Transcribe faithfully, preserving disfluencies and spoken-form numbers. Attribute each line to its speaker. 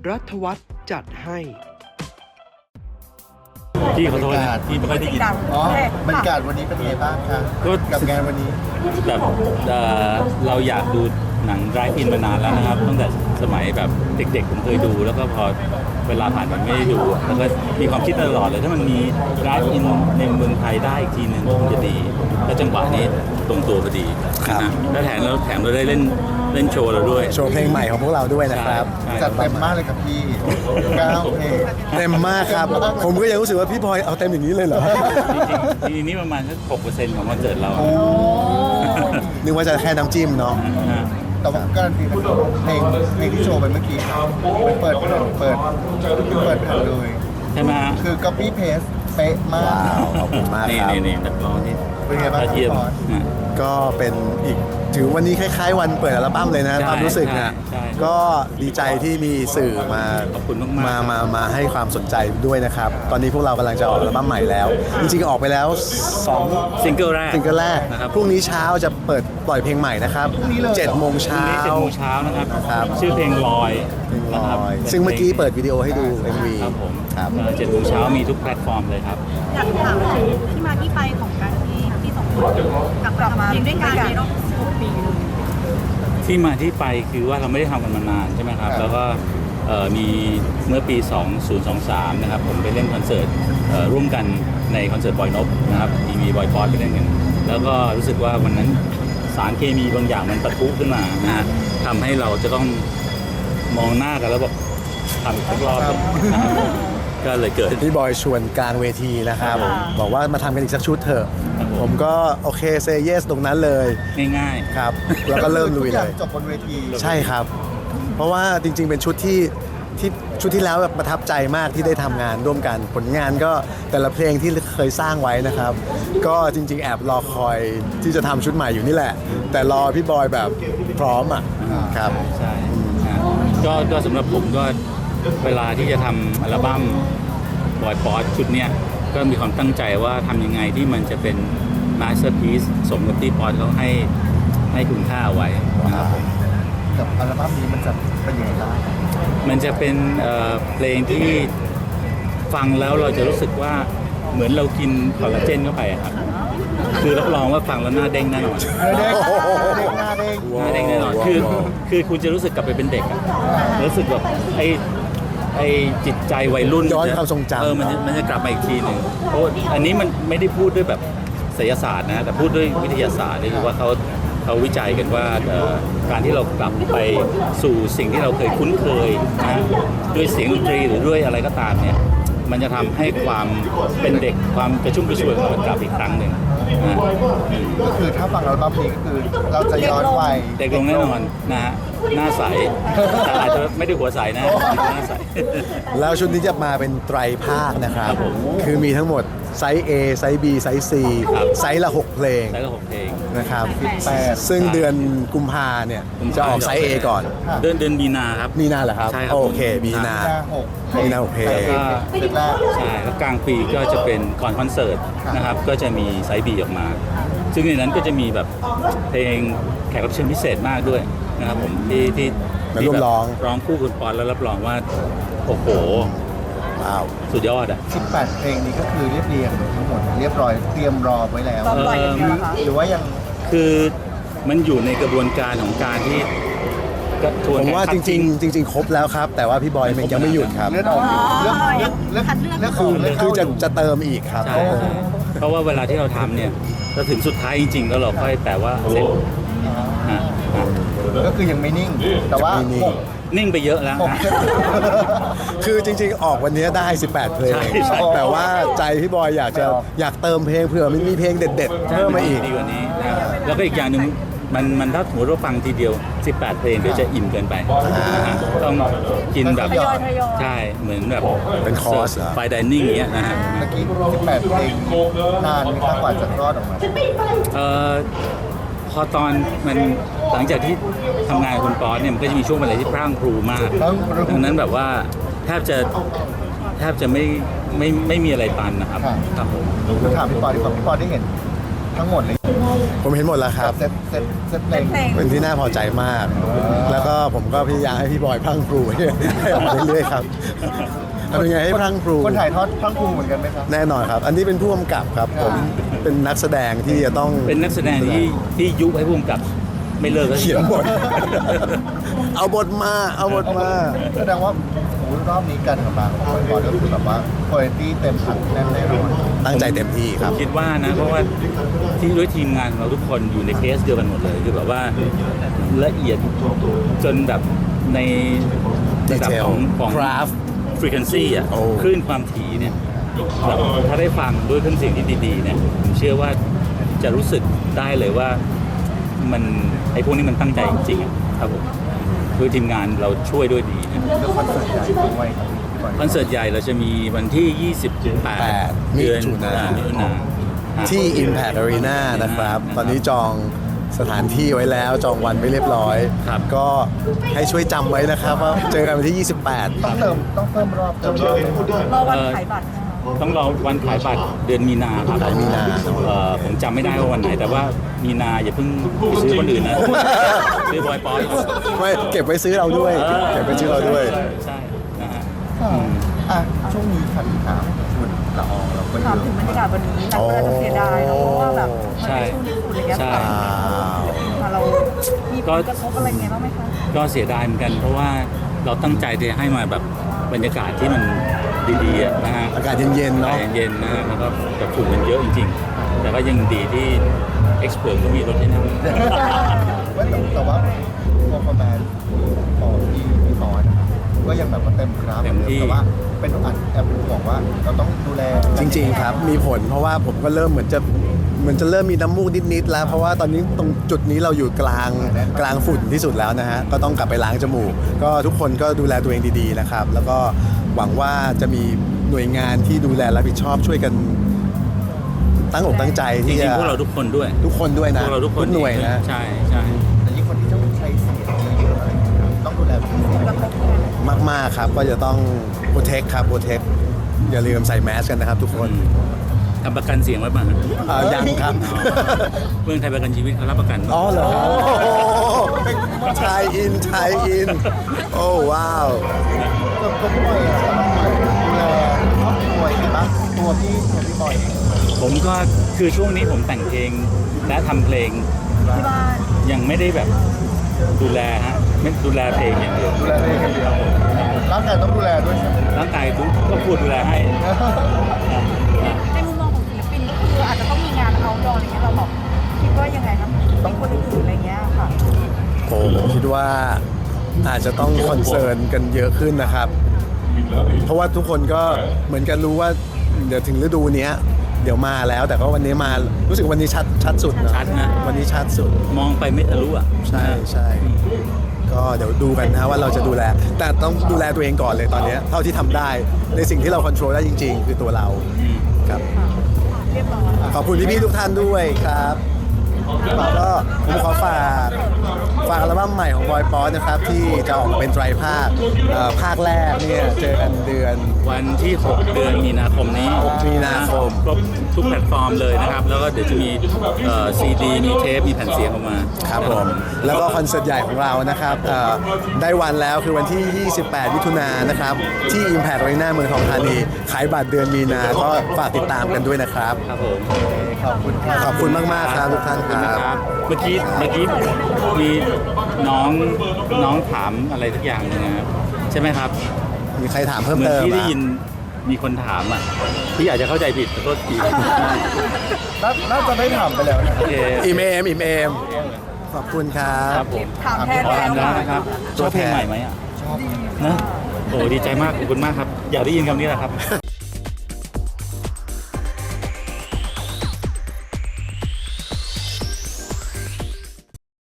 Speaker 1: รัฐวัฒน์จัดให้
Speaker 2: พี่ขอโทษนะพี่ไม่ค่อยได้ยิน
Speaker 3: อ๋อบรรยากาศวันนี้เป็นไงบ้างคะกับงานวันนี้
Speaker 2: แบบเอ่อเราอยากดูหนังไรอินมานานแล้วนะครับตั้งแต่สมัยแบบเด็กๆผมเคยดูแล้วก็พอเวลาผ่านมันไม่ได้ดูแล้วก็มีความคิดตลอดเลยถ้ามันมีไรอินในเมืองไทยได้อีกทีนึงคงจะดีแล้วจังหวะนี้ตรงตัวพอดีนะแล้วแถมแล้วแถมเราได้เล่นเล่นโชว์เราด้วย
Speaker 4: โชว์เพลงใหม่ของพวกเราด้วยนะครับ
Speaker 3: จัดเต็มมากเลยครับพี่เก้าเพลง
Speaker 4: เต็มมากครับผมก็ยังรู้สึกว่าพี่พลอยเอาเต็มอย่างนี้เลยเหรอ
Speaker 2: จริงๆทีนี้ประมาณสักหกเปอร์เซ็นต์ของคอนเสิร์ตเรา
Speaker 4: นึกว่าจะแค่น้ำจิ้มเนาะ
Speaker 3: แต่ว่าการันตีเป็นเพลงเพลงที่โชว์ไปเมื่อกี้เปิดเปิดเปิดเปิดแผ่นเลย
Speaker 2: ใช่ไหม
Speaker 3: คือ copy paste เป๊ะมาก
Speaker 4: ขอบคุณมาก
Speaker 2: ครับนี่นี่นักร้องนี่
Speaker 3: เป็นไงบ้างครับ
Speaker 4: ก็เป็นอีกถือวันนี้คล้ายๆวันเปิดอัลบั้มเลยนะความรู้สึกนะก็ดีใจที่มีสื่อมา
Speaker 2: ขอบคุณมาก
Speaker 4: มามามาให้ความสนใจด้วยนะครับตอนนี้พวกเรากำลังจะออกอัลบั้มใหม่แล้วจริงๆออกไปแล้วสอง
Speaker 2: ซิงเกิลแรก
Speaker 4: ซิงเกิลแรกนะครับพรุ่งนี้เช้าจะเปิดปล่อยเพลงใหม่นะครับเจ็ดโมงเช้า
Speaker 2: เจ็ดโมงเช้านะครับชื่อเพลงลอย
Speaker 4: นะครับซึ่งเมื่อกี้เปิดวิดีโอให้ดู เอ็ม วี
Speaker 2: ครับผมเจ็ดโมงเช้ามีทุกแพลตฟอร์มเลยครับ
Speaker 5: อยากถามถึงที่มาที่ไปของการที่ที่สองคนกลับมาเพลงด้วยกันในรอบหกปี
Speaker 2: ที่มาที่ไปคือว่าเราไม่ได้ทำกันมานานใช่ไหมครับแล้วก็มีเมื่อปีสองพันยี่สิบสามนะครับผมไปเล่นคอนเสิร์ตร่วมกันในคอนเสิร์ตบอยนพนะครับมีมีบอยพอดไปเล่นกันแล้วก็รู้สึกว่าวันนั้นสารเคมีบางอย่างมันปะทุขึ้นมานะฮะทำให้เราจะต้องมองหน้ากันแล้วบอกทำอีกรอบก็เลยเกิด
Speaker 4: พี่บอยชวนกลางเวทีนะครับบอกว่ามาทำกันอีกสักชุดเถอะผมก็โอเคเซย์เยสตรงนั้นเลย
Speaker 2: ง่าย
Speaker 4: ๆครับแล้วก็เริ่มลุยเลย
Speaker 3: จบบนเวที
Speaker 4: ใช่ครับเพราะว่าจริงๆเป็นชุดที่ที่ชุดที่แล้วแบบประทับใจมากที่ได้ทำงานร่วมกันผลงานก็แต่ละเพลงที่เคยสร้างไว้นะครับก็จริงๆแอบรอคอยที่จะทำชุดใหม่อยู่นี่แหละแต่รอพี่บอยแบบพร้อมอ่ะครับ
Speaker 2: ใช่ก็ก็สำหรับผมก็เวลาที่จะทำอัลบั้มบอยป๊อตชุดเนี้ยก็มีความตั้งใจว่าทำยังไงที่มันจะเป็นมาสเตอร์พีซสมกับที่ป๊อตเขาให้ให้คุณค่าไว้นะครับผม
Speaker 3: กับอัลบั้มนี้มันจะเป็นยังไงบ้าง
Speaker 2: มันจะเป็นเพลงที่ฟังแล้วเราจะรู้สึกว่าเหมือนเรากินคอลลาเจนเข้าไปครับคือรับรองว่าฟังแล้วหน้าเด้งแน่นอน
Speaker 3: หน้าเด้งหน้าเด้ง
Speaker 2: หน้าเด้งแน่นอนคือคือคุณจะรู้สึกกลับไปเป็นเด็กรู้สึกแบบไอ้ไอ้จิตใจวัยรุ่น
Speaker 4: ย้อนความทรงจำ
Speaker 2: เออมันมันจะกลับมาอีกทีหนึ่งเพราะอันนี้มันไม่ได้พูดด้วยแบบไสยศาสตร์นะแต่พูดด้วยวิทยาศาสตร์นี่คือว่าเขาเขาวิจัยกันว่าการที่เรากลับไปสู่สิ่งที่เราเคยคุ้นเคยนะด้วยเสียงดนตรีหรือด้วยอะไรก็ตามเนี่ยมันจะทำให้ความเป็นเด็กความกระชุ่มกระชวยของมันกลับอีกครั้งหนึ่ง
Speaker 3: ก็คือถ้าฟังอัลบั้มนี้ก็คือเราจะย้อนวัย
Speaker 2: เด็กลงแน่นอนนะฮะหน้าใสแต่อาจจะไม่ได้หัวใสนะหน้าใส
Speaker 4: แล้วชุดนี้จะมาเป็นไตรภาคนะครับคือมีทั้งหมดไซส์ A ไซส์ B ไซส์ C ไซส์ละหกเพลง
Speaker 2: ไซส์ละหกเพลง
Speaker 4: นะครับซึ่งเดือนกุมภาเนี่ยจะออกไซส์ A ก่อน
Speaker 2: เดือนเดือนมีนาครับ
Speaker 4: มีนาเหรอครับโอเคมีนามีนาหกเพลง
Speaker 2: ใช่แล้วกลางปีก็จะเป็นก่อนคอนเสิร์ตนะครับก็จะมีไซส์ B ออกมาซึ่งในนั้นก็จะมีแบบเพลงแขกรับเชิญพิเศษมากด้วยนะครับผมที่ที่
Speaker 4: ร่วมร้อง
Speaker 2: ร้องคู่คุณปอนแล้วรับรองว่าโอ้โห
Speaker 4: ว้าว
Speaker 2: สุดยอดอ่ะ
Speaker 3: สิบแปดเพลงนี้ก็คือเรียบเรียงทั้งหมดเรียบร้อยเตรียมรอไว้แล้วหรือว่ายัง
Speaker 2: คือมันอยู่ในกระบวนการของการที่
Speaker 4: ผมว่าจริงๆจริงๆครบแล้วครับแต่ว่าพี่บอยมันยังไม่หยุดครับ
Speaker 3: เลือกออกเลือกเลือกเลือกเลือก
Speaker 4: คือคือจะจะเติมอีกครับ
Speaker 2: เพราะว่าเวลาที่เราทำเนี่ยเราถึงสุดท้ายจริงๆแล้วเราค่อยแต่ว่าเสร็จ
Speaker 3: ก็คือยังไม่นิ่งแต่ว่า
Speaker 2: นิ่งไปเยอะแล้ว
Speaker 4: คือจริงๆออกวันนี้ได้สิบแปดเพลงแต่ว่าใจพี่บอยอยากจะอยากเติมเพลงเผื่อมันมีเพลงเด็ดๆเพิ่มมาอีก
Speaker 2: ดีกว่านี้แล้วก็อีกอย่างหนึ่งมันมันถ้าสมมติว่าฟังทีเดียวสิบแปดเพลงก็จะอิ่มเกินไปต้องกินแบบใช่เหมือนแบบ
Speaker 4: เป็นคอร์ส
Speaker 2: ไฟดิเนิ่งอย่างเงี้ยนะฮะ
Speaker 3: เมื่อกี้สิบแปดเพลงนานไหมครับกว่าจะรอดออกมา
Speaker 2: เอ่อพอตอนมันหลังจากที่ทำงานกับคุณป๊อตเนี่ยมันก็จะมีช่วงเวลาที่พร่างพรูมากดังนั้นแบบว่าแทบจะแทบจะไม่ไม่ไม่มีอะไรตันนะครับ
Speaker 3: ครับผมถามพี่ปอดีกว่าพี่ปอได้เห็นทั้งหมดเลย
Speaker 4: ผมเห็นหมดแล้วครับ
Speaker 3: เซตเซตเซตเพลง
Speaker 5: เพลง
Speaker 4: เป็นที่น่าพอใจมาก แล้วก็ผมก็พยายามให้พี่บอยพรังพรูให้ออกมาเรื่อยๆครับทำยังไงให้พรังพรู
Speaker 3: คนถ่ายทอดพรังพรูเหมือนกันไหมครับ
Speaker 4: แน่นอนครับ อันนี้เป็นผู้กำกับครับ ผมเป็นนักแสดงที่จะต้อง
Speaker 2: เป็นนักแสดงที่ที่ยุให้พุ่มกับไม่เลิกสักที
Speaker 4: เขียนบท เอาบทมา เอาบทมา
Speaker 3: แสดงว่าโอ้โหรอบนี้การทำงานของบอยบอยก็คือแบบว่าคุณภาพเต็มถังแน่นแน่นอน
Speaker 4: ตั้งใจเต็มที่ครับ
Speaker 2: คิดว่านะเพราะว่าที่ด้วยทีมงานของเราทุกคนอยู่ในเคสเดียวกันหมดเลยคือแบบว่าละเอียดจนแบบในระดับ
Speaker 4: Detail
Speaker 2: ของของ
Speaker 4: craft
Speaker 2: frequency อ่ะ
Speaker 4: โอ้
Speaker 2: คลื่นความถี่เนี่ยแบบถ้าได้ฟังด้วยเครื่องเสียงที่ดีๆเนี่ยผมเชื่อว่าจะรู้สึกได้เลยว่ามันไอ้พวกนี้มันตั้งใจจริงๆอะครับผมด้วยทีมงานเราช่วยด้วยดีนะ
Speaker 3: เรื่องคอนเสิร์ตใหญ่ด้วยครับพี่บอย
Speaker 2: คอนเสิร์ตใหญ่เราจะมีวันที่ ยี่สิบแปด
Speaker 4: มิ
Speaker 2: เดือน
Speaker 4: ถุนา
Speaker 2: มิถุนาฮะ
Speaker 4: ที่ Impact Arena นะครับ ตอนนี้จองสถานที่ไว้แล้ว จองวันไว้เรียบร้อย
Speaker 2: ครับ
Speaker 4: ก็ให้ช่วยจำไว้นะครับว่าเจอกันวันที่ ยี่สิบแปด
Speaker 3: ต้องเติมต้องเพิ่มรอบเติมรอบไหมครับ
Speaker 5: รอวันขายบัตรนะคะ
Speaker 2: ต้องรอวันขายบัตรเดือนมีนาครับ
Speaker 4: ขายมีนา
Speaker 2: เอ่อผมจำไม่ได้ว่าวันไหน แต่ว่ามีนาอย่าเพิ่งไปซื้อคนอื่นนะ ซื้อบอยปอย
Speaker 4: ไม่เก็บไว้ซื้อเราด้วย เก็บไว้ซื้อเราด้วย
Speaker 2: ใช่นะฮะ
Speaker 3: อ่ะช่วงนี้คันถามชุดละอองเราก็เย
Speaker 5: ถาม
Speaker 3: อะ
Speaker 5: ถึงบรรยากาศวันนี้หลายคนอาจจะเสียดายเนอะเพราะว่าแบบมัน
Speaker 2: ใช่
Speaker 5: เป็นช่วงญี่ปุ่นอะไรเงี้ย
Speaker 2: ใช่
Speaker 5: ค่ะค่ะเรามีผลกระทบอะไรเงี้ยบ้างไหมคะ
Speaker 2: ก็เสียดายเหมือนกัน เพราะว่าเราตั้งใจจะให้มาแบบบรรยากาศที่มันดีๆอะนะฮะ
Speaker 4: อากาศเย็นๆ
Speaker 2: อา
Speaker 4: เนาะ
Speaker 2: กาศเย็นๆนะฮะแล้วก็แต่ฝุ่นมันเยอะจริงๆ แต่ก็ยังดีที่ Expert ก็มีรถให้นั่ง
Speaker 3: ว่าแต่แต่ว่าพอคอมแมนของที่พี่สอนนะครับก็ยังแบบว่าเต็มกราฟเหมือนเดิมแต่ว่าเป็นอันแอบบอกว่าเราต้องดูแล
Speaker 4: จริงๆครับ มีผลเพราะว่าผมก็เริ่มเหมือนจะเหมือนจะเริ่มมีน้ำมูกนิดๆแล้ว เพราะว่าตอนนี้ตรงจุดนี้เราอยู่กลางกลางฝุ่นที่สุดแล้วนะฮะ ก็ต้องกลับไปล้างจมูก ก็ทุกคนก็ดูแลตัวเองดีๆนะครับ แล้วก็หวังว่าจะมีหน่วยงานที่ดูแลรับผิดชอบช่วยกันตั้งอกตั้งใจ
Speaker 2: จ
Speaker 4: ที่
Speaker 2: ริ
Speaker 4: จะ
Speaker 2: งๆพวกเราทุกคนด้วย
Speaker 4: ทุกคนด้วย
Speaker 2: พ
Speaker 4: นะ
Speaker 2: วกเราทุกคน
Speaker 4: หน่วยนะ
Speaker 2: ใช่ใช่
Speaker 3: แต่ยิ่งคนที่ต้องใช้เสียงเยอะๆอะไรอย่างเงี้ยครับต้องดูแลเป็นพิเศษ
Speaker 5: กระทบยังไง
Speaker 4: มากๆครับ ก็จะต้องโปรเทคครับโปรเทคอย่าลืมใส่แมสกันนะครับทุกคน
Speaker 2: ทำประกันเสียงไว้ป่ะฮะ
Speaker 4: เอ่อยังครับ
Speaker 2: เมืองไทยประกันชีวิตเขารับประกัน
Speaker 4: อ๋อเหรอครับไทยอินไทยอิน โอ้ว้าว
Speaker 3: ตัวตัวพี่บอยอะดูแลครอบครัวยังไงบ้างตัวพี่ตัวพี่บอยเอง
Speaker 2: ผมก็คือช่วงนี้ผมแต่งเพลงและทำเพลง
Speaker 5: ที่บ้าน
Speaker 2: ยังไม่ได้แบบดูแลฮะไม่ดูแลเพลงอย่างเดียว
Speaker 3: ดูแลตัวเองอย่างเดียวร่างกายต้องดูแลด้วยใช่ไหม
Speaker 2: ร่างกายทุกก็พูดดูแลให้อ่ะ
Speaker 5: ในมุมมองของศิลปินก็คืออาจจะต้องมีงานเอาดออะไรเงี้ยเราบอกคิดว่ายังไงครับต้องคนอื่นๆอะไรเงี้ยค่ะ
Speaker 4: โอ้ผมคิดว่าอาจจะต้องคอนเซิร์นกันเยอะขึ้นนะครับ เพราะว่าทุกคนก็เหมือนกันรู้ว่าเดี๋ยวถึงฤดูเนี้ย เดี๋ยวมาแล้ว แต่ก็วันนี้มารู้สึกวันนี้ชัดชัดสุดนะ
Speaker 2: ชัดนะ
Speaker 4: วันนี้ชัดสุด
Speaker 2: มองไปไม่ทะลุอ่ะ
Speaker 4: ใช่ใช่ก็เดี๋ยวดูกันนะว่าเราจะดูแล แต่ต้องดูแลตัวเองก่อนเลยตอนเนี้ยเท่าที่ทำได้ในสิ่งที่เราควบคุมได้จริง ๆ คือตัวเรา
Speaker 2: อืม
Speaker 4: ครับ
Speaker 5: เรียบร้อย
Speaker 4: ขอบคุณพี่ๆทุกท่านด้วยครับก็ผมขอฝากฝากอัลบั้มใหม่ของบอยป๊อตนะครับที่จะออกมาเป็นไตรภาคเอ่อภาคแรกเนี่ยเจอกันเดือน
Speaker 2: วันที่ หก เดือนมีนาคมนี้
Speaker 4: หกมีนาคม
Speaker 2: ครบทุกแพลตฟอร์มเลยนะครับ แล้วก็เดี๋ยวจะมีซีดีมีเทปมีแผ่นเสียงออกมา
Speaker 4: ครับผมแล้วก็คอนเสิร์ตใหญ่ของเรานะครับเอ่อได้วันแล้วคือวันที่ ยี่สิบแปด มิถุนายนนะครับที่ Impact Arena เมืองทองธานีขายบัตรเดือนมีนาก็ฝากติดตามกันด้วยนะครับ
Speaker 2: ครับผม
Speaker 3: ขอบคุณครับ
Speaker 4: ขอบคุณมากๆครับทุกท่าน
Speaker 2: ขอบ
Speaker 4: ค
Speaker 2: คุณ
Speaker 4: รั
Speaker 2: นะ
Speaker 4: บ
Speaker 2: ครับ เมื่อกี้เมื่อกี้มีน้องน้องถามอะไรสักอย่างหนึงนะครับใช่ไหมครับ
Speaker 4: มีใครถามเพิ่ม
Speaker 2: เหมือน
Speaker 4: เติม
Speaker 2: ที่ได้
Speaker 4: อ่ะ
Speaker 2: ยินมีคนถามอ่ะพี่อาจจะเข้าใจผิดขอโทษที
Speaker 3: น่าน่าจะได้ถามไปแล้วนะ
Speaker 2: โอเค
Speaker 4: อีเมมอีเมมขอบคุณครั
Speaker 2: ครับ บผม
Speaker 5: ถามแทน
Speaker 2: ขอ
Speaker 5: แล้
Speaker 2: ถาม
Speaker 5: ว
Speaker 2: แล้ว
Speaker 5: ค่ะ
Speaker 2: นะครับชอบเพลงใหม่ไหมอ่ะ
Speaker 3: ชอบ
Speaker 2: นะโอ้ดีใจมากขอบคุณมากครับ อยากได้ยินคำนี้แหละครับ